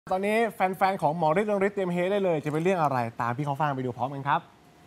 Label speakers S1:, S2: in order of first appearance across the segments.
S1: ตอนนี้แฟนๆของหมอฤทธิ์เรืองฤทธิ์เตรียมเฮได้เลยจะเป็นเรื่องอะไรตามพี่เขาฟังไปดูพร้อมกันครับ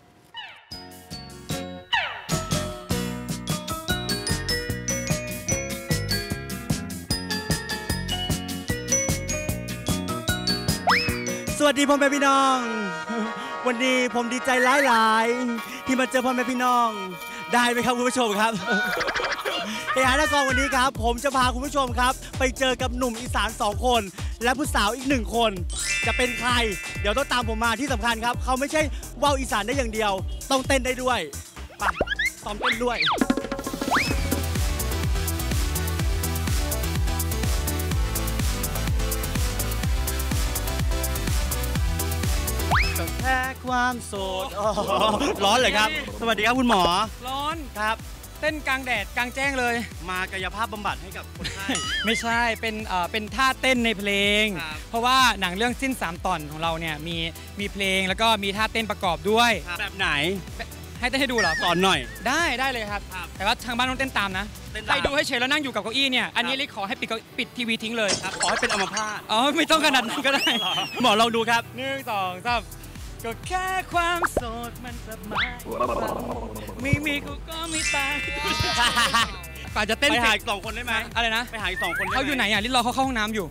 S2: สวัสดีพ่อแม่พี่น้องวันนี้ผมดีใจหลายๆที่มาเจอพ่อแม่พี่น้องได้ไหมครับคุณผู้ชมครับเฮฮานครวันนี้ครับผมจะพาคุณผู้ชมครับไปเจอกับหนุ่มอีสาน2คนและผู้สาวอีก1คนจะเป็นใครเดี๋ยวต้องตามผมมาที่สำคัญครับเขาไม่ใช่ว่าวอีสานได้อย่างเดียวต้องเต้นได้ด้วยไปซ้อมเต้นด้วยแค่ความโสดร้อนเลยครับสวัสดีครับคุณหมอ
S3: ร้อน
S2: ครับ
S3: เต้นกลางแดดกลางแจ้งเลย
S2: มากายภาพบำบัดให้กับคนไข้
S3: ไม่ใช่เป็นท่าเต้นในเพลงเพราะว่าหนังเรื่องสิ้น3 ตอนของเราเนี่ยมีเพลงแล้วก็มีท่าเต้นประกอบด้วย
S2: แบบไหน
S3: ให้เต้นให้ดูเหรอ
S2: สอนหน่อย
S3: ได้เลยครับแต่ว่าทางบ้านต้องเต้นตามนะใครดูให้เฉยแล้วนั่งอยู่กับเก้าอี้เนี่ยอันนี้ลิขอให้ปิดทีวีทิ้งเลย
S2: ครับขอให้เป็นอัมพาต
S3: ไม่ต้องขนาดนั้นก็ได้
S2: หมอลองดูครับ
S3: 1 2 3ก็แค่ความโสดมันสบายมีกูก็มีตายป่าจะเต้น
S2: ไปหาอีก2 คนได้ไหม
S3: อะไรนะ
S2: ไปหาอีก2 คน
S3: เขาอยู่ไหนอ่ะลิรอเขาเข้าห้องน้ำอยู่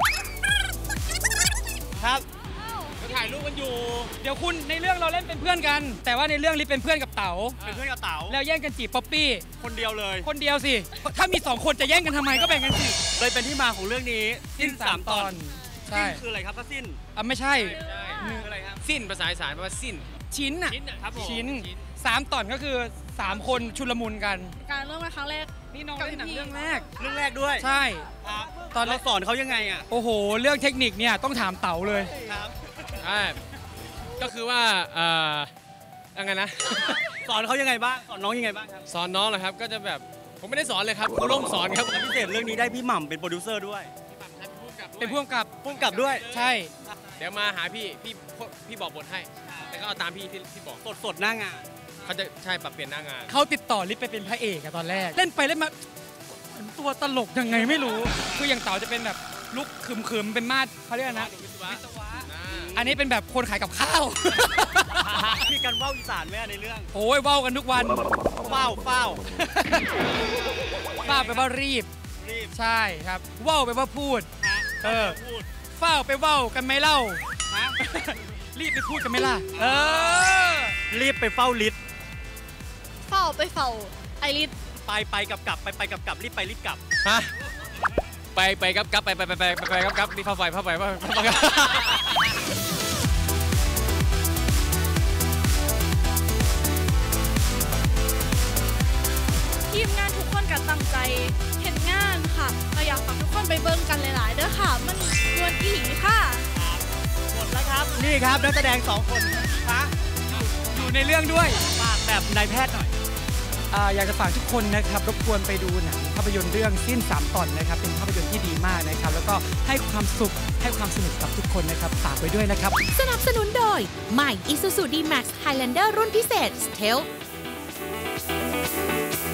S2: ครับ
S3: ก็ถ่ายรูปกันอยู่เดี๋ยวคุณในเรื่องเราเล่นเป็นเพื่อนกันแต่ว่าในเรื่องลิเป็นเพื่อนกับเต๋า
S2: เป็นเพื่อนกับเต๋า
S3: แล้วแย่งกันจีบป๊อปปี้
S2: คนเดียวเลย
S3: คนเดียวสิถ้ามี2 คนจะแย่งกันทำไมก็แบ่งกันสิ
S2: เลยเป็นที่มาของเรื่องนี้
S3: สิ้น3 ตอน
S2: ใช่คืออะไรครับถ้าสิ้น
S3: ไม่ใช่
S2: อะไรครับ
S4: สิ้นภาษาอีสานแปลว่าสิ้น
S3: ชิ้นชิ้น3 ตอนก็คือ3 คนชุลมุนกัน
S5: การเริ่มมาครั้งแรก
S3: นี่น้องเล่นหนังเรื่องแรก
S2: ด้วย
S3: ใช่
S2: ตอนเราสอนเขายังไงอ่ะ
S3: โอ้โหเรื่องเทคนิคเนี่ยต้องถามเต๋าเลย
S2: ครับ
S4: ก็คือว่ายังไงนะ
S2: สอนเขายังไงบ้างสอนน้องยังไงบ้างครับ
S4: สอนน้องเหรอครับก็จะแบบผมไม่ได้สอนเลยครับครูร่มสอนครับ
S2: พิเศษเรื่องนี้ได้พี่หม่ำเป็นโปรดิวเซอร์ด้วย
S3: เป็นผู้กำกับ
S2: ด้วย
S3: ใช่
S4: เดี๋ยวมาหาพี่บอกบทให้แล้วก็เอาตามพี่บอก
S2: สดหน้างาน
S4: เขาจะใช่ปรับเปลี่ยนหน้างาน
S3: เขาติดต่อลิศไปเป็นพระเอกตอนแรกเล่นไปเล่นมาเหมือนตัวตลกยังไงไม่รู้คืออย่างเต๋าจะเป็นแบบลุกขึมเป็นมาดเขาเรียกนะวิศวะอันนี้เป็นแบบคนขายกับข้าว
S2: มีการว่าวอีสานไหมในเรื่อง
S3: โอ้ยว่าวกันทุกวัน
S2: เฝ้า
S3: แปลว่ารีบใช่ครับว่าวแปลว่าพูดเฝ้าไปว่าวกันไหมเล่ารีบไปพูดกันไหมล่ะ
S2: รีบไปเฝ้าลิศ
S5: เฝ้าไปเฝ้าไอลิศ
S2: ไปกลับไปกลับรีบไปรีบกลับ
S4: ฮะไปกลับไปรีบเข้าไป
S5: ทีมงานทุกคนก็ตั้งใจเห็นงานค่ะเราอยากฝากทุกคนไปเบิ่งกันหลายๆเด้อค่ะมันดวนอีหลีค่ะ
S2: หมดแล้วครับนี่ครับนักแสดง2 คน
S3: อยู่ในเรื่องด้วย
S2: ฝากแบบนายแพทย์หน่อย
S3: อยากจะฝากทุกคนนะครับรบกวนไปดูหนังภาพยนตร์เรื่องสิ้น3 ตอนนะครับเป็นภาพยนตร์ที่ดีมากนะครับแล้วก็ให้ความสุขให้ความสนุกกับทุกคนนะครับฝากไว้ด้วยนะครับ
S6: สนับสนุนโดยใหม่ Isuzu D-Max Highlander รุ่นพิเศษ Stealth